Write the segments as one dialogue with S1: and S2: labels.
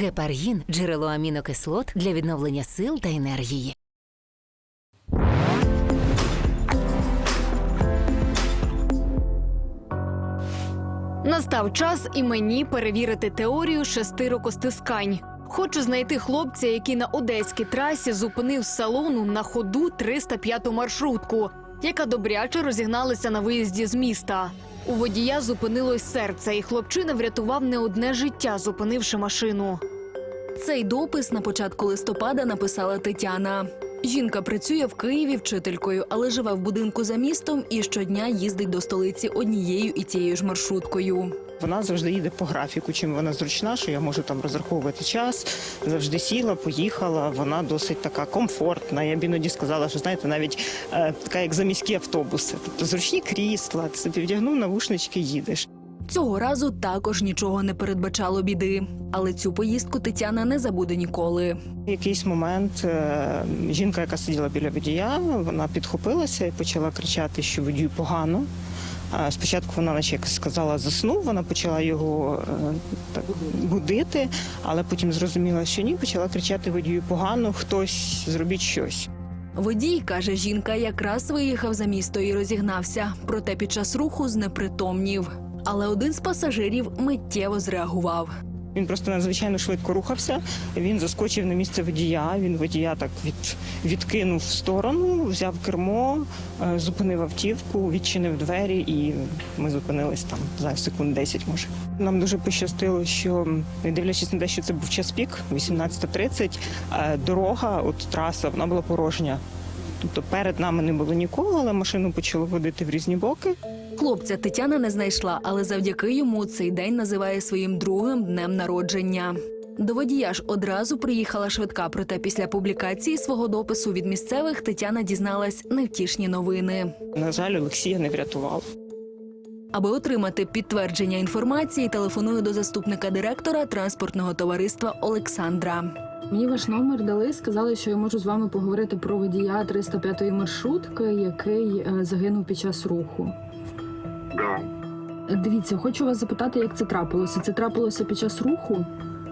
S1: Гепаргін – джерело амінокислот для відновлення сил та енергії.
S2: Настав час і мені перевірити теорію 6 рукостискань. Хочу знайти хлопця, який на одеській трасі зупинив з салону на ходу 305-ту маршрутку, яка добряче розігналася на виїзді з міста. У водія зупинилось серце, і хлопчина врятував не одне життя, зупинивши машину.
S3: Цей допис на початку листопада написала Тетяна. Жінка працює в Києві вчителькою, але живе в будинку за містом і щодня їздить до столиці однією і тією ж маршруткою.
S4: Вона завжди їде по графіку, чим вона зручна, що я можу там розраховувати час. Завжди сіла, поїхала, вона досить така комфортна. Я б іноді сказала, що, знаєте, навіть така, як заміські автобуси. Тобто зручні крісла, ти собі вдягнув навушнички, їдеш.
S3: Цього разу також нічого не передбачало біди. Але цю поїздку Тетяна не забуде ніколи.
S4: В якийсь момент жінка, яка сиділа біля водія, вона підхопилася і почала кричати, що водію погано. Спочатку вона, наче як сказала, заснув, вона почала його так будити, але потім зрозуміла, що ні, почала кричати водію погано, хтось, зробіть щось.
S3: Водій, каже жінка, якраз виїхав за місто і розігнався, проте під час руху знепритомнів. Але один з пасажирів миттєво зреагував.
S4: Він просто надзвичайно швидко рухався, він заскочив на місце водія, він водія так відкинув в сторону, взяв кермо, зупинив автівку, відчинив двері і ми зупинились там за секунд 10, може. Нам дуже пощастило, що, не дивлячись на те, що це був час пік, 18:30, дорога, от траса, вона була порожня. Тобто перед нами не було нікого, але машину почало водити в різні боки.
S3: Хлопця Тетяна не знайшла, але завдяки йому цей день називає своїм другим днем народження. До водія ж одразу приїхала швидка, проте після публікації свого допису від місцевих Тетяна дізналась невтішні новини.
S4: На жаль, Олексія не врятував.
S3: Аби отримати підтвердження інформації, телефоную до заступника директора транспортного товариства Олександра.
S5: Мені ваш номер дали, сказали, що я можу з вами поговорити про водія 305-ї маршрутки, який загинув під час руху.
S6: Да.
S5: Дивіться, хочу вас запитати, як це трапилося. Це трапилося під час руху?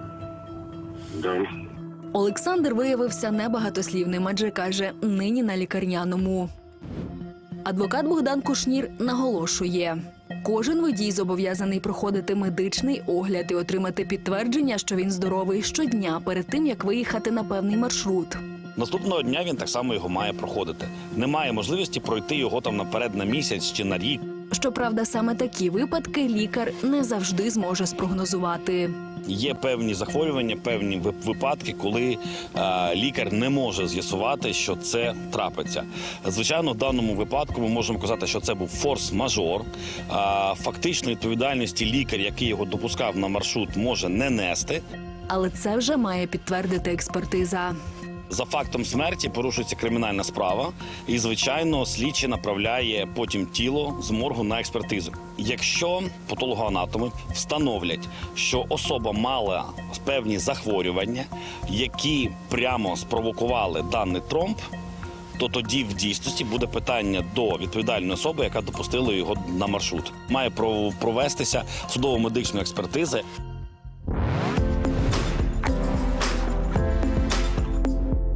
S6: Да.
S3: Олександр виявився небагатослівним, адже каже, нині на лікарняному. Адвокат Богдан Кушнір наголошує, кожен водій зобов'язаний проходити медичний огляд і отримати підтвердження, що він здоровий щодня перед тим, як виїхати на певний маршрут.
S7: Наступного дня він так само його має проходити. Немає можливості пройти його там наперед на місяць чи на рік.
S3: Щоправда, саме такі випадки лікар не завжди зможе спрогнозувати.
S7: Є певні захворювання, певні випадки, коли лікар не може з'ясувати, що це трапиться. Звичайно, в даному випадку ми можемо казати, що це був форс-мажор. Фактично відповідальності лікар, який його допускав на маршрут, може не нести.
S3: Але це вже має підтвердити експертиза.
S7: За фактом смерті порушується кримінальна справа і, звичайно, слідчий направляє потім тіло з моргу на експертизу. Якщо патологоанатоми встановлять, що особа мала певні захворювання, які прямо спровокували даний тромб, то тоді в дійсності буде питання до відповідальної особи, яка допустила його на маршрут. Має провестися судово-медична експертиза.